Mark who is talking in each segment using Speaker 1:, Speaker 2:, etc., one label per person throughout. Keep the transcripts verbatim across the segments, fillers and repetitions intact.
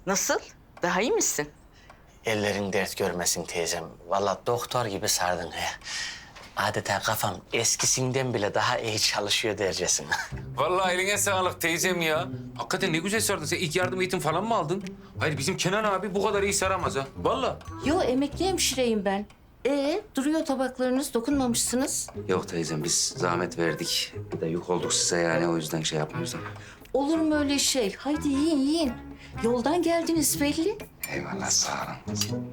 Speaker 1: Nasıl? Daha iyi misin?
Speaker 2: Ellerin dert görmesin teyzem. Vallahi doktor gibi sardın he. Adeta kafam eskisinden bile daha iyi çalışıyor dercesine.
Speaker 3: Vallahi eline sağlık teyzem ya. Hakikaten ne güzel sardın. Sen ilk yardım eğitim falan mı aldın? Hayır bizim Kenan abi bu kadar iyi saramaz ha. Vallahi.
Speaker 1: Yo, emekli hemşireyim ben. Ee, duruyor tabaklarınız, dokunmamışsınız.
Speaker 4: Yok teyzem biz zahmet verdik. Bir de yük olduk size yani o yüzden şey yapmıyoruz.
Speaker 1: Olur mu öyle şey? Haydi yiyin, yiyin. Yoldan geldiniz belli.
Speaker 4: Eyvallah sağ olun.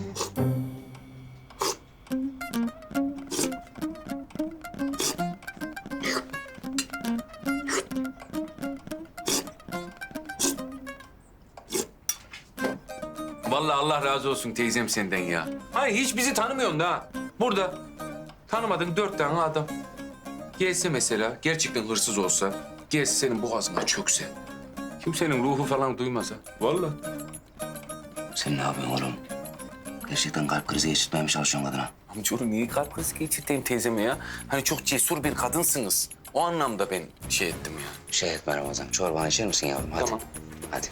Speaker 3: Vallahi Allah razı olsun teyzem senden ya. Hayır hiç bizi tanımıyorsun da ha. Burada tanımadığın dört tane adam. Gelse mesela gerçekten hırsız olsa, gelse senin boğazına çökse. Kimsenin ruhu falan duymaz ha. Vallahi.
Speaker 4: Sen ne yapıyorsun oğlum? Gerçekten kalp krizi geçirtmeye mi çalışıyorsun kadına?
Speaker 3: Amcaoğlu niye kalp krizi geçirteyim teyzeme ya? Hani çok cesur bir kadınsınız. O anlamda ben şey ettim ya.
Speaker 4: Şey etme Ramazan, çorbanı içer misin yavrum? Hadi.
Speaker 3: Tamam.
Speaker 4: Hadi.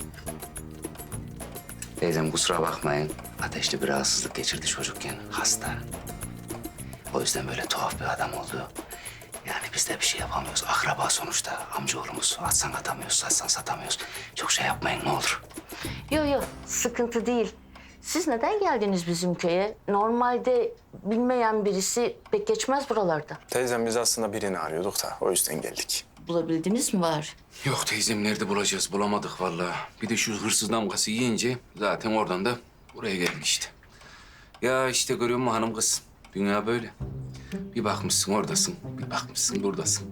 Speaker 4: Teyzem kusura bakmayın. Ateşli bir rahatsızlık geçirdi çocukken. Hasta. O yüzden böyle tuhaf bir adam oldu. Yani biz de bir şey yapamıyoruz. Akraba sonuçta. Amcaoğlumuz. Atsan atamıyoruz, satsan satamıyoruz. Çok şey yapmayın ne olur.
Speaker 1: Yo yo, sıkıntı değil. Siz neden geldiniz bizim köye? Normalde bilmeyen birisi pek geçmez buralarda.
Speaker 5: Teyzem biz aslında birini arıyorduk da o yüzden geldik.
Speaker 1: Bulabildiniz mi var?
Speaker 3: Yok teyzem nerede bulacağız? Bulamadık vallahi. Bir de şu hırsız damgası yiyince zaten oradan da buraya geldik işte. Ya işte görüyor musun hanım kız? Dünya böyle. Bir bakmışsın oradasın, bir bakmışsın buradasın.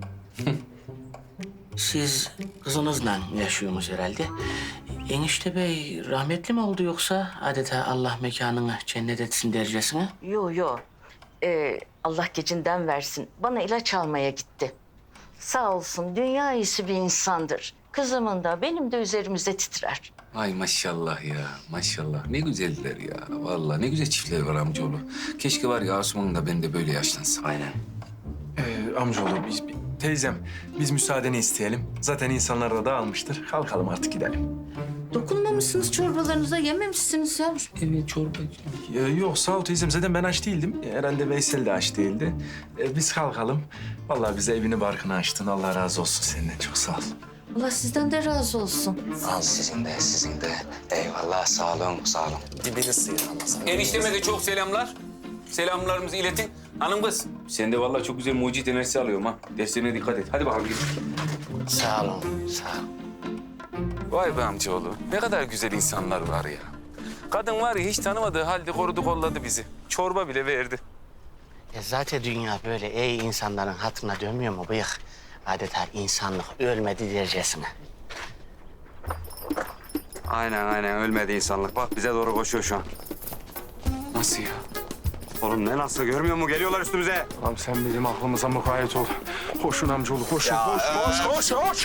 Speaker 2: Siz kızınızla yaşıyorsunuz herhalde. Enişte bey rahmetli mi oldu yoksa adeta Allah mekanını cennet etsin dercesine? Yo yo. Ee, Allah gecinden versin. Bana ilaç almaya gitti. Sağ olsun dünya iyisi bir insandır. Kızımın da benim de üzerimizde titrer.
Speaker 3: Ay maşallah ya, maşallah. Ne güzeller ya. Vallahi ne güzel çiftler var amcaoğlu. Keşke var ya Asuman da ben de böyle yaşlansam.
Speaker 4: Aynen.
Speaker 5: Ee, amcaoğlu biz, teyzem biz müsaadeni isteyelim. Zaten insanlar da dağılmıştır. Kalkalım artık gidelim.
Speaker 1: Dokunmamışsınız çorbalarınıza, yememişsiniz yavrum.
Speaker 3: Evet çorba.
Speaker 5: Ee, yok sağ ol teyzem zaten ben aç değildim. Herhalde Veysel de aç değildi. Ee, biz kalkalım. Vallahi bize evini barkını açtın. Allah razı olsun senden çok sağ ol.
Speaker 1: Allah sizden de razı olsun.
Speaker 4: Al sizin de, sizin de. Eyvallah, sağ olun, sağ olun.
Speaker 5: Dibini sıyır Ramazan.
Speaker 3: Enişteme de çok selamlar. Selamlarımızı iletin. Hanım kız, sen de vallahi çok güzel mucit enerjisi alıyorum ha. Derslerine dikkat et. Hadi bakalım gidelim.
Speaker 2: Sağ olun, sağ olun.
Speaker 3: Vay be amcaoğlu. Ne kadar güzel insanlar var ya. Kadın var ya hiç tanımadığı halde korudu kolladı bizi. Çorba bile verdi.
Speaker 2: Ya zaten dünya böyle iyi insanların hatırına dönmüyor mu bıyık? Adeta insanlık ölmedi dercesine.
Speaker 4: Aynen aynen ölmedi insanlık. Bak bize doğru koşuyor şu an.
Speaker 3: Nasıl ya?
Speaker 4: Oğlum ne nasıl görmüyor mu? Geliyorlar üstümüze.
Speaker 5: Tamam sen bizim aklımıza mukayyet ol. Koşun amcaoğlu koşun. Koş, koş, koş, koş.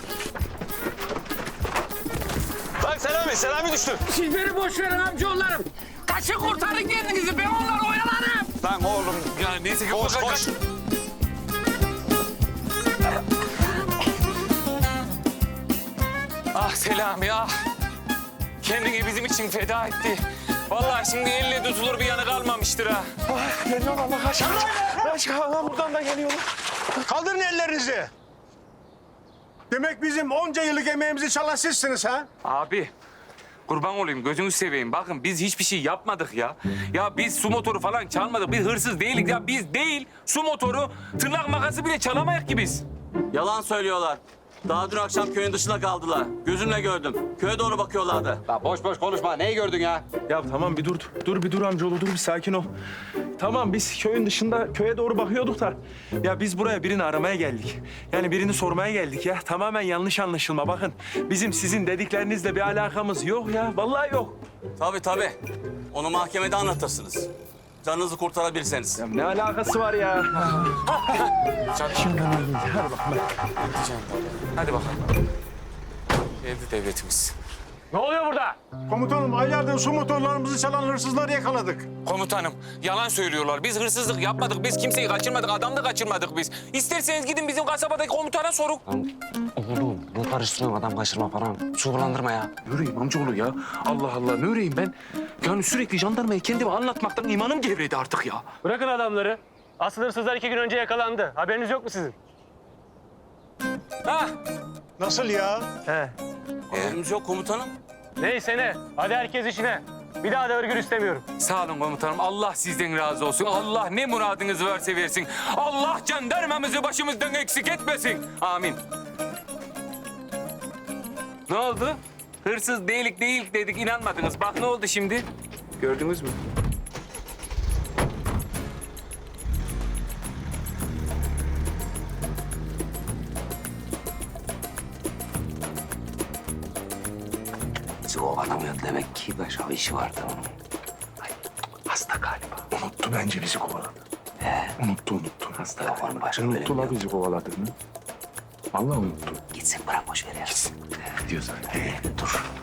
Speaker 6: Lan Selami, Selami düştü.
Speaker 7: Siz beni boş verin amcaoğullarım. Kaçın kurtarın kendinizi. Ben onları oyalarım.
Speaker 6: Lan oğlum.
Speaker 3: Ya neyse ki
Speaker 6: Koş,
Speaker 3: bakalım.
Speaker 6: koş.
Speaker 3: Ah Selami ah. Kendini bizim için feda etti. Vallahi şimdi elle tutulur bir yanı kalmamıştır ha.
Speaker 5: Geliyorlar Allah aşkına. Aşkına Allah buradan da geliyorlar.
Speaker 6: Kaldırın ellerinizi. Demek bizim onca yıllık emeğimizi çalan sizsiniz ha?
Speaker 3: Abi kurban olayım gözünü seveyim. Bakın biz hiçbir şey yapmadık ya. Ya biz su motoru falan çalmadık. Biz hırsız değiliz ya. Biz değil su motoru tırnak makası bile çalamayak ki biz.
Speaker 8: Yalan söylüyorlar. Daha dün akşam köyün dışında kaldılar. Gözümle gördüm. Köye doğru bakıyorlardı.
Speaker 6: Lan boş boş konuşma. Neyi gördün ya?
Speaker 5: Ya tamam bir dur. Dur bir dur amcaoğlu dur bir sakin ol. Tamam biz köyün dışında köye doğru bakıyorduk da. Ya biz buraya birini aramaya geldik. Yani birini sormaya geldik ya. Tamamen yanlış anlaşılma bakın. Bizim sizin dediklerinizle bir alakamız yok ya. Vallahi yok.
Speaker 8: Tabii tabii. Onu mahkemede anlatırsınız. Canınızı kurtarabilirseniz.
Speaker 5: Ya ne alakası var ya?
Speaker 3: Hadi bakalım. Geldi devletimiz.
Speaker 6: Ne oluyor burada? Komutanım aylardır su motorlarımızı çalan hırsızları yakaladık.
Speaker 3: Komutanım yalan söylüyorlar. Biz hırsızlık yapmadık. Biz kimseyi kaçırmadık. Adam da kaçırmadık biz. İsterseniz gidin bizim kasabadaki komutana sorun.
Speaker 2: Oğlum bu
Speaker 4: karıştırıyorsun adam kaçırma falan. Su bulandırma ya.
Speaker 3: Ne öreyim amcaoğlu ya? Allah Allah ne öreyim ben? Yani sürekli jandarmaya kendimi anlatmaktan imanım gevredi artık ya.
Speaker 9: Bırakın adamları. Asıl hırsızlar iki gün önce yakalandı. Haberiniz yok mu sizin?
Speaker 3: Ha?
Speaker 6: Nasıl ya?
Speaker 9: He.
Speaker 8: Haberimiz yok komutanım.
Speaker 9: Neyse ne. Hadi herkes işine. Bir daha da örgür istemiyorum.
Speaker 3: Sağ olun komutanım. Allah sizden razı olsun. Allah ne muradınız varsa versin. Allah jandarmamızı başımızdan eksik etmesin. Amin. Ne oldu? Hırsız değilik değil dedik inanmadınız. Bak ne oldu şimdi? Gördünüz mü?
Speaker 4: Bizi kovalamıyor demek ki başka bir işi vardı onun. Ay, hasta galiba.
Speaker 5: Unuttu bence bizi kovaladı. Unuttu unuttu.
Speaker 4: Hasta galiba. Başka
Speaker 5: Unuttu la bizi kovaladığını. Vallahi unuttu.
Speaker 4: Gitsin bırak boş ver ya. Gitsin.
Speaker 5: Diyorsan.
Speaker 4: Dur.